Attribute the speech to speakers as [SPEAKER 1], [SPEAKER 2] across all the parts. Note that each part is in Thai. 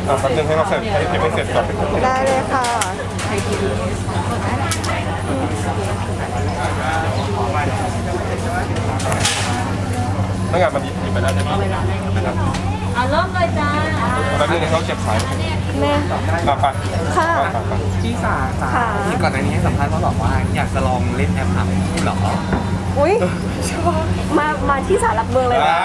[SPEAKER 1] แป๊บนึงให้เราเสร็จให้ไม่เสร็จก่อน
[SPEAKER 2] ได้เลยค่ะ
[SPEAKER 1] ถ้างานมันหยิบไปแล้วใช่ไหมนะครับ
[SPEAKER 3] เริ่มเลยจ้า
[SPEAKER 1] แป๊บนึงให้เขาเก็บสาย
[SPEAKER 2] แม่
[SPEAKER 1] มาปะ
[SPEAKER 2] ค่ะ
[SPEAKER 4] พี่สา
[SPEAKER 2] ค่ะ
[SPEAKER 4] ที่ก่อนหน้านี้ให้สัมภาษณ์ว่าบอกว่าอยากจะลองเล่นแอปหาคู่เหรอ
[SPEAKER 2] อุ้ยมาที่ศาลหลักเมืองเลยนะ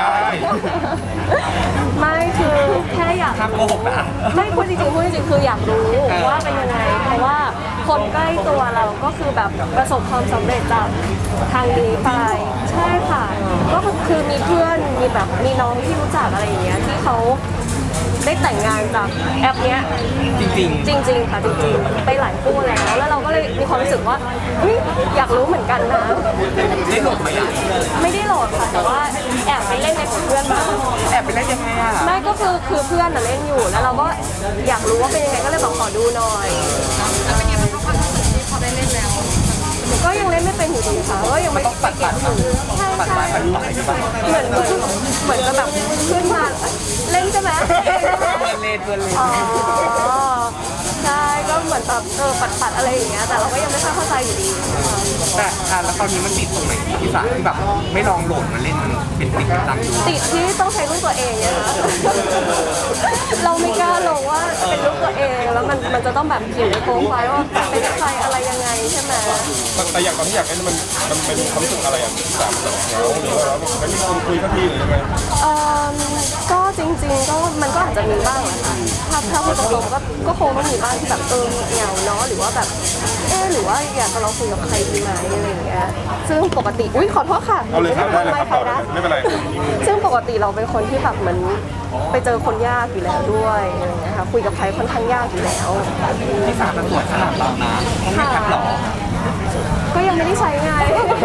[SPEAKER 2] ไม่คือแค่อยาก
[SPEAKER 4] ห้ามโกหกนะ
[SPEAKER 2] ไม่พูดจริงๆพูดจริงๆคืออยากรู้ว่าเป็นยังไงเพราะว่าคนใกล้ตัวเราก็คือแบบประสบความสำเร็จจากทางนี้ไปใช่ค่ะ ก็คือมีเพื่อนมีแบบมีน้องที่รู้จักอะไรอย่างเงี้ยที่เขาได้แต่งงานจากแอปเนี้ย
[SPEAKER 4] จริง
[SPEAKER 2] จริงๆค่ะจริงๆไปหลายคู่แล้วเราก็เลยมีความรู้สึกว่าเฮ้ยอยากรู้เหมือนกันนะ
[SPEAKER 4] ๆได้โหลดมาอย่าง
[SPEAKER 2] ไม่ได้โหลดค่ะแต่ว่าแอบไปเล่นในของเพื่อนมา
[SPEAKER 4] แอบไปเล่นยังไงอ่ะ
[SPEAKER 2] ไม่ก็คือเพื่อนน่ะเล่นอยู่แล้วเราก็อยากรู้ว่าเป็นยังไงก็เลยบอกขอดูหน่อยแล้วเป็นยังไงบ้างความรู้สึกที่พอได้เล่นแล้วก็ยังเล่นไม่เป็นอยู่ดีค่ะก็ยังไม่
[SPEAKER 4] ต้องปัดใช่
[SPEAKER 2] ใช่
[SPEAKER 4] ปัด
[SPEAKER 2] ใช่
[SPEAKER 4] ไปปัดไปปัด
[SPEAKER 2] เหมือนจะแบบขึ้นมาเล่นใช่ไหม
[SPEAKER 4] เพื่อนเล่นเพื่อนเล่น
[SPEAKER 2] อ๋อใช่ก็เหมือนแบบปัดอะไรอย่างเงี้ยแต่เราก็ยังไม่ค่อยเข้าใจอยู่ดี
[SPEAKER 4] แต่แล้วตอนนี้มันติดตรงไหนพี่สาที่แบบไม่ลองโหลดมาเล่นมันเป็นติดตังอยู่
[SPEAKER 2] ติดที่ต้องใช้รูปตัวเองเนี่ยนะ เราไม่กล้าลงว่าเป็นรูปตัวเองแล้วมันจะต้องแบบเขียนในโปรไฟล์ว่าเป็นใครอะไรยังไงใช่ไหม
[SPEAKER 1] แต่อย่างตอนที่อยากเล่นมันเป็นความรู้สึกอะไรอ่ะสามเหงาหรือว่าเราไม่มีคนคุยสักทีหรือยังไง
[SPEAKER 2] เอ่อก็จริงๆก็มันก็อาจจะมีบ้างแหละค่ะถ้าพูดตรงๆก็คงต้องมีบ้างที่แบบเหงาเนาะหรือว่าแบบหรือว่าอยากจะลองคุยกับใครดีไหมอะไรอย่างเงี้ยซึ่งปกติขอโทษค่ะ
[SPEAKER 1] เอาเลยครับได้เลยครับ
[SPEAKER 2] ใครนะ
[SPEAKER 1] ไม่เป็นไร
[SPEAKER 2] ซึ่งปกติเราเป็นคนที่แบบเหมือนไปเจอคนยากอยู่แล้วด้วยอะไรอย่างเงี้ยค่ะคุยกับใครค่อนข้างยากอยู่แล้ว
[SPEAKER 4] พี่สามันสวยขนาดเรานะต้องมีแอปหรอ
[SPEAKER 2] ก็ยังไม่ได้ใช้ไง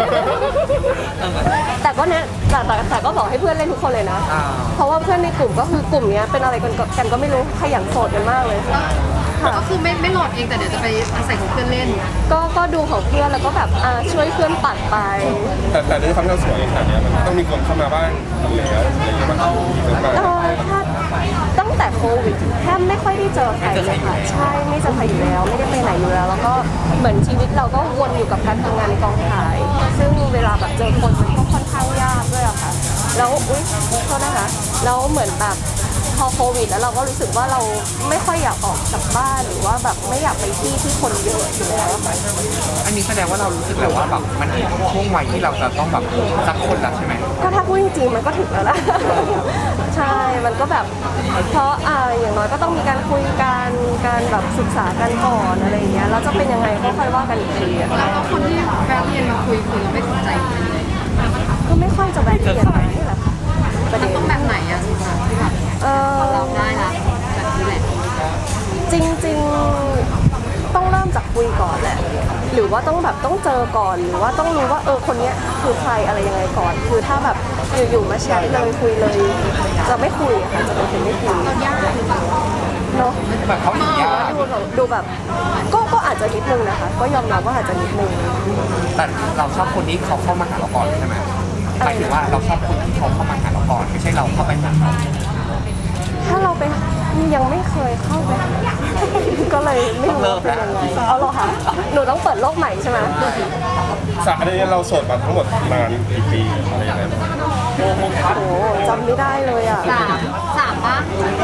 [SPEAKER 2] แต่ก็เนี่ยแต่ก็บอกให้เพื่อนเล่นทุกคนเลยนะ เพราะว่าเพื่อนในกลุ่มก็คือกลุ่มเนี้ยเป็นอะไรกันก็ไม่รู้ขยันโสดกันมากเลยค่ะ
[SPEAKER 3] ก็คือไม่โหลดเองแต่เดี๋ยวจะไปอาศัยของเพื่อนเล่น
[SPEAKER 2] ก็ดูของเพื่อนแล้วก็แบบช่วยเพื่อนปัดไป
[SPEAKER 1] แต่ด้วยความที่เราสวยขนาดนี้มันต้องมีคนเข้ามาบ้างแล้วอะไรอย่างเงี้ยมันมีคนมา
[SPEAKER 2] ถ้าตั้งแต่โควิดแทบไม่ค่อยได้เจอใครเลยค่ะใช่ไม่เจอใครอยู่แล้วไม่ได้ไปไหนอยู่แล้ว แล้วก็เหมือนชีวิตเราก็วนอยู่กับการทำงานในกองถ่าย ซึ่งเวลาแบบเจอคนมันก็ค่อนข้างยากด้วยอะค่ะแล้วโทษนะคะแล้วเหมือนแบบพอโควิดแล้วเราก็รู้สึกว่าเราไม่ค่อยอยากออกจากบ้านหรือว่าแบบไม่อยากไปที่คนเยอะอยู่แล้วอะค่ะ
[SPEAKER 4] อันนี้แสดงว่าเรารู้สึกแล้วว่าแบบมันถึงช่วงวัยที่เราจะต้องแบบสักคนแล้วใช่ไหม
[SPEAKER 2] ก็ถ้าพูดจริงๆมันก็ถึงแล้วนะ ใช่ มันก็แบบเพราะอย่างน้อยก็ต้องมีการคุยกันการแบบศึกษากันก่อนอะไรอย่างเงี้ยแล้วจะเป็นยังไงก็ค่อยว่ากันอีกทีอะ
[SPEAKER 3] แล้วก็คนที่แวะเวียนมาคุยคือเราไม่สนใจเลย
[SPEAKER 2] ก็ไม่ค่อยจะแบบเปลี่ยนไปนี่แหละค่ะประเด็น
[SPEAKER 3] ต้องแบบไหนอะสุดท้ายที่แบบ
[SPEAKER 2] เออ
[SPEAKER 3] เราได้ละแบบนี้แหละ
[SPEAKER 2] จริงๆต้องเริ่มจากคุยก่อนแหละ หรือว่าต้องเจอก่อนหรือว่าต้องรู้ว่าคนเนี้ยคือใครอะไรยังไงก่อน คือถ้าแบบอยู่ๆมาแชทเลยคุยเลยจะไม่คุยอะค่ะจะเป็นคนไม่คุย
[SPEAKER 3] เรายากหรือเปล่า
[SPEAKER 2] เนาะ
[SPEAKER 4] แบบเขาหนียาก
[SPEAKER 2] ดูแบบก็อาจจะนิดนึงนะคะ ก็ยอมรับว่าอาจจะนิดนึง
[SPEAKER 4] แต่เราชอบคนที่เขาเข้ามาหาเราก่อนใช่ไหมหมายถึงว่าเราชอบคนที่เขาเข้ามาหาเราก่อนไม่ใช่เราเข้าไปหาเขา
[SPEAKER 2] ถ้าเราไปยังไม่เคยเข้าไปก็เลยไม่รู้ว่าเป็นยังไงเอาเหรอคะหนูต้องเปิดโลกใหม่ใช่ไหม
[SPEAKER 1] อันนี้เราโสดมาทั้งหมดนานกี่ปีอะไรยังไง
[SPEAKER 2] โอ้โหจำไม่ได้เลยอ่ะ
[SPEAKER 3] สามปะ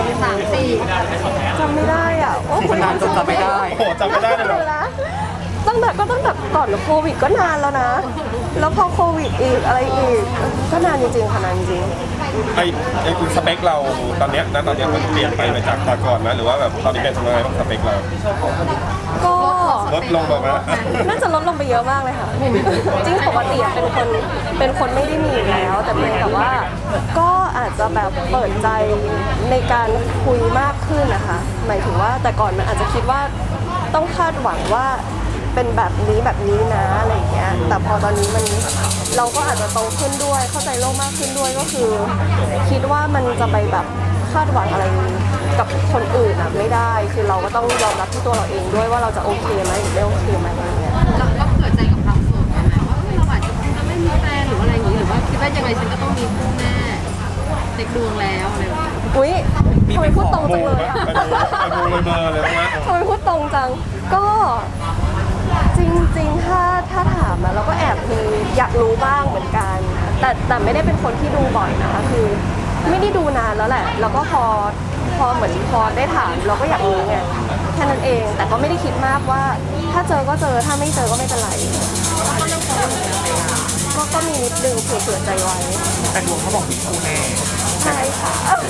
[SPEAKER 3] 3 4
[SPEAKER 2] จำไม่ได้อ่ะโอ้
[SPEAKER 4] คนนานจนจำไม่ได้
[SPEAKER 1] โอ้โหจำไม่ได้เลยเหรอ
[SPEAKER 2] ตั้งแต่ก่อนโควิดก็นานแล้วนะ แล้วพอโควิดอีกอะไรอีกก็นานจริงๆค่ะนานจริง
[SPEAKER 1] ไอ้สเปคเราตอนเนี้ยมันเปลี่ยนไปจากตอนก่อนไหมหรือว่าแบบตอนนี้เป็นยังไงบ้างสเปคเรา
[SPEAKER 2] ก็
[SPEAKER 1] ลดลงมาไหม
[SPEAKER 2] น่าจะลดลงไปเยอะมากเลยค่ะ จริงปกติเป็นคนไม่ได้มีอยู่แล้ว แต่เพียงแต่ว่าก็อาจจะแบบเปิดใจในการคุยมากขึ้นนะคะหมายถึงว่าแต่ก่อนมันอาจจะคิดว่าต้องคาดหวังว่าเป็นแบบนี้นะอะไรอย่างเงี้ยแต่พอตอนนี้เราก็อาจจะโตขึ้นด้วยเข้าใจโลกมากขึ้นด้วยก็คือ คิดว่ามันจะไปแบบคาดหวังอะไรกับคนอื่นอ่ะไม่ได้คือเราก็ต้องยอมรับที่ตัวเราเองด้วยว่าเราจะโอเคไหมหรือไม่โอเคไหมอะไรเงี้ย
[SPEAKER 3] เราเผื่อใจกับความโสดไหมว่าเราอาจจะไม่มีแฟนหรืออะไรอย่างนี้หรือว่าคิดว่ายังไงฉันก็ต้องมีคู่แน่เด็กดวงแล้วอะไรแบบนี้
[SPEAKER 2] อุ๊ย
[SPEAKER 4] มี
[SPEAKER 2] ทำไมพูดตรง
[SPEAKER 1] โม
[SPEAKER 2] จังเลย
[SPEAKER 1] นะ
[SPEAKER 2] อะ
[SPEAKER 1] ไอโมเลยเบอร์เลยนะ
[SPEAKER 2] ทำไมพูดตรงจัง ก็จริงๆ ถ้าถามอะเราก็แอบมีอยากรู้บ้างเหมือนกัน แต่ไม่ได้เป็นคนที่ดูบ่อยนะคะ คือไม่ได้ดูนานแล้วแหละ แล้วก็พอเหมือนพอได้ถามเราก็อยากรู้ไงแค่นั้นเอง แต่ก็ไม่ได้คิดมากว่า ถ้าเจอก็เจอ ถ้าไม่เจอก็ไม่เป็นไร ก็มีนิดนึงเผื่อใจไว้
[SPEAKER 4] แต่ดวงเขาบอกมีคู่แน่
[SPEAKER 2] ใช่ค่ะ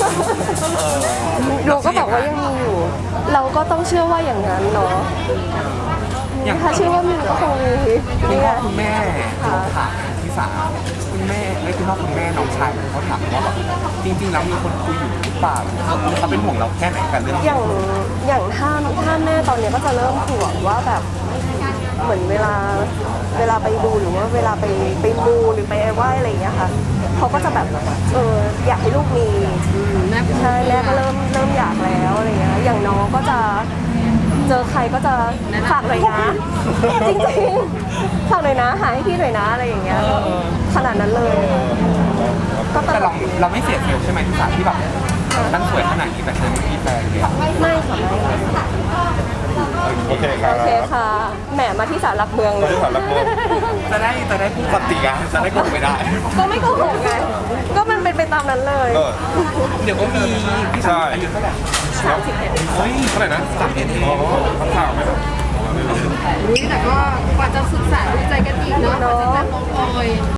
[SPEAKER 2] หนูก็บอกว่ายังมีอยู่ เราก็ต้องเชื่อว่าอย่างนั้นเนาะ
[SPEAKER 4] อย่าง
[SPEAKER 2] ถ้าเชื่อว่ามีก็คงมี
[SPEAKER 4] คุณ
[SPEAKER 2] นี่
[SPEAKER 4] พ่
[SPEAKER 2] ไง
[SPEAKER 4] อคุณแม่เขาถามพี่สาคุณแม่คุณพ่อคุณแม่น้องชายเขาถามว่าแบบจริงๆแล้วมีคนคุยอยู่หรือเปล่าเขาเป็นห่วงเราแค่ไหนกันเรื่อง
[SPEAKER 2] อย่างถ้าแม่ตอนนี้ก็จะเริ่มห่วงว่าแบบเหมือนเวลาไปดูหรือว่าเวลาไปมูหรือไปไหว้อะไรอย่างเงี้ยค่ะเขาก็จะแบบอยากให้ลูกมีใช่แม่ก็เริ่มอยากแล้วอะไรเงี้ยอย่างน้องก็จะเจอใครก็จะฝากหน่อยนะจริงๆฝากหน่อยนะหาให้พี่หน่อยนะอะไรอย่างเงี้ยขนาดนั้นเลยก็ต
[SPEAKER 4] แต่
[SPEAKER 2] ลอด
[SPEAKER 4] เราไม่เสียเซลล์ใช่ไหมพี่สาที่แบบตั้งสวยขนาดนี้แต่ฉันไม่มีแฟนเลย
[SPEAKER 2] ไม่ค่ะไม่
[SPEAKER 1] โอเคครับ
[SPEAKER 2] โอเคค่ะแหมมาที่ศาลหลักเมืองเล
[SPEAKER 1] ไม่
[SPEAKER 2] ย
[SPEAKER 1] ได้ถามรักโม
[SPEAKER 4] จะได้พูดปฏิกาจะได้โกงไม่ได้
[SPEAKER 2] ก็ไม่โกหกไงก็มันเป็นไปตามนั้นเลย
[SPEAKER 4] เดี๋ยวก็มีพี่สาอายุเท่าไหร่
[SPEAKER 2] 31
[SPEAKER 4] เฮ้ย
[SPEAKER 1] เท่าไหร่นะ
[SPEAKER 4] 31เอง
[SPEAKER 1] อ๋อคำถามไหมครับ
[SPEAKER 3] แต่ก็กว่าจะศึกษาดูใจกันอีกเนาะกว่าจะแบบลงเอย